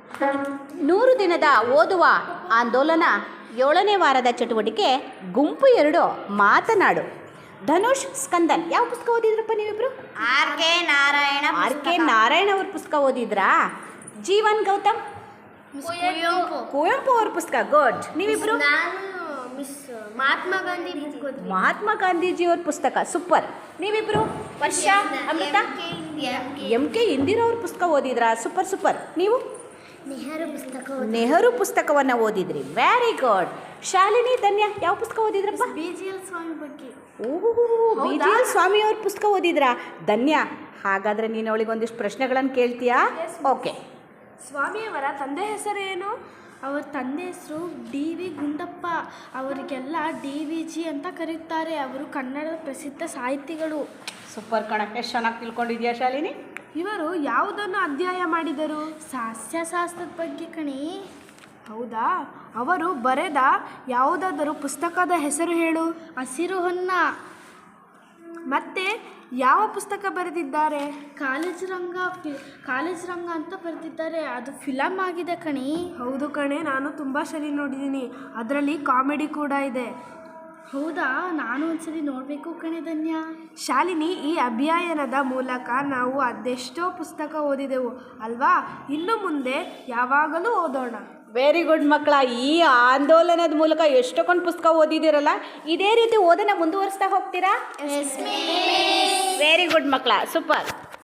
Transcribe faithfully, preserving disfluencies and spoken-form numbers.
ನೂರು ದಿನದ ಓದುವ ಆಂದೋಲನ ಏಳನೇ ವಾರದ ಚಟುವಟಿಕೆ ಗುಂಪು ಎರಡು ಮಾತನಾಡು. ಧನುಷ್, ಸ್ಕಂದನ್ ಯಾವ ಪುಸ್ತಕ ಓದಿದ್ರಪ್ಪ ನೀವಿಬ್ರು? R K Narayan R K Narayan ಅವ್ರ ಪುಸ್ತಕ ಓದಿದ್ರಾ? ಜೀವನ್ ಗೌತಮ್ ಕುವೆಂಪು. ಕುವೆಂಪು ಅವ್ರ ಪುಸ್ತಕ. ಗುಡ್. ನೀವಿಬ್ರು? ನಾನು ಮಿಸ್ ಮಹಾತ್ಮ ಗಾಂಧಿ ಬುಕ್ ಓದಿದ್ದೀನಿ. ಮಹಾತ್ಮ ಗಾಂಧೀಜಿ ಅವ್ರ ಪುಸ್ತಕ. ಸೂಪರ್. ನೀವಿಬ್ರು? ವರ್ಷ, ಅಮೃತ? ಎಂ ಕೆ ಇಂದಿರಾ ಅವ್ರ ಪುಸ್ತಕ ಓದಿದ್ರಾ? Super super. ನೀವು? ನೆಹರು ಪುಸ್ತಕ ನೆಹರು ಪುಸ್ತಕವನ್ನು ಓದಿದ್ರಿ. Very good. ಶಾಲಿನಿ, ಧನ್ಯ ಯಾವ ಪುಸ್ತಕ ಓದಿದ್ರಪ್ಪ? ಬಿ ಜಿ ಎಲ್ ಸ್ವಾಮಿ ಬಗ್ಗೆ. ಓಹೋ, ಬಿ ಜಿ ಎಲ್ ಸ್ವಾಮಿ ಅವ್ರ ಪುಸ್ತಕ ಓದಿದ್ರಾ? ಧನ್ಯ. ಹಾಗಾದರೆ ನೀನು ಅವಳಿಗೆ ಒಂದಿಷ್ಟು ಪ್ರಶ್ನೆಗಳನ್ನು ಕೇಳ್ತೀಯಾ? ಓಕೆ. ಸ್ವಾಮಿಯವರ ತಂದೆ ಹೆಸರೇನು? ಅವರ ತಂದೆ ಹೆಸರು ಡಿ ವಿ ಗುಂಡಪ್ಪ. ಅವರಿಗೆಲ್ಲ ಡಿ ವಿ ಜಿ ಅಂತ ಕರೀತಾರೆ. ಅವರು ಕನ್ನಡದ ಪ್ರಸಿದ್ಧ ಸಾಹಿತಿಗಳು. ಸೂಪರ್ ಕಣ. ಎಷ್ಟು ಚೆನ್ನಾಗಿ ತಿಳ್ಕೊಂಡಿದ್ಯಾ ಶಾಲಿನಿ? ಇವರು ಯಾವುದನ್ನು ಅಧ್ಯಯನ ಮಾಡಿದರು? ಸಸ್ಯಶಾಸ್ತ್ರದ ಬಗ್ಗೆ ಕಣಿ. ಹೌದಾ? ಅವರು ಬರೆದ ಯಾವುದಾದರೂ ಪುಸ್ತಕದ ಹೆಸರು ಹೇಳು. ಹಸಿರು ಹೊನ್ನ. ಮತ್ತೆ ಯಾವ ಪುಸ್ತಕ ಬರೆದಿದ್ದಾರೆ? ಕಾಲೇಜ್ ರಂಗ ಫಿ ಕಾಲೇಜ್ ರಂಗ ಅಂತ ಬರೆದಿದ್ದಾರೆ. ಅದು ಫಿಲಮ್ ಆಗಿದೆ ಕಣಿ. ಹೌದು ಕಣೆ, ನಾನು ತುಂಬ ಸರಿ ನೋಡಿದ್ದೀನಿ. ಅದರಲ್ಲಿ ಕಾಮಿಡಿ ಕೂಡ ಇದೆ. ಹೌದಾ? ನಾನು ಒಂದ್ಸರಿ ನೋಡಬೇಕು ಕಣೆ ಧನ್ಯ. ಶಾಲಿನಿ, ಈ ಅಭಿಯಾನದ ಮೂಲಕ ನಾವು ಅದೆಷ್ಟೋ ಪುಸ್ತಕ ಓದಿದೆವು ಅಲ್ವಾ? ಇನ್ನು ಮುಂದೆ ಯಾವಾಗಲೂ ಓದೋಣ. ವೆರಿ ಗುಡ್ ಮಕ್ಕಳ. ಈ ಆಂದೋಲನದ ಮೂಲಕ ಎಷ್ಟೊಂದು ಪುಸ್ತಕ ಓದಿದಿರಲ್ಲ, ಇದೇ ರೀತಿ ಓದನ ಮುಂದುವರಿಸ್ತಾ ಹೋಗ್ತೀರಾ? ವೆರಿ ಗುಡ್ ಮಕ್ಕಳ. ಸೂಪರ್.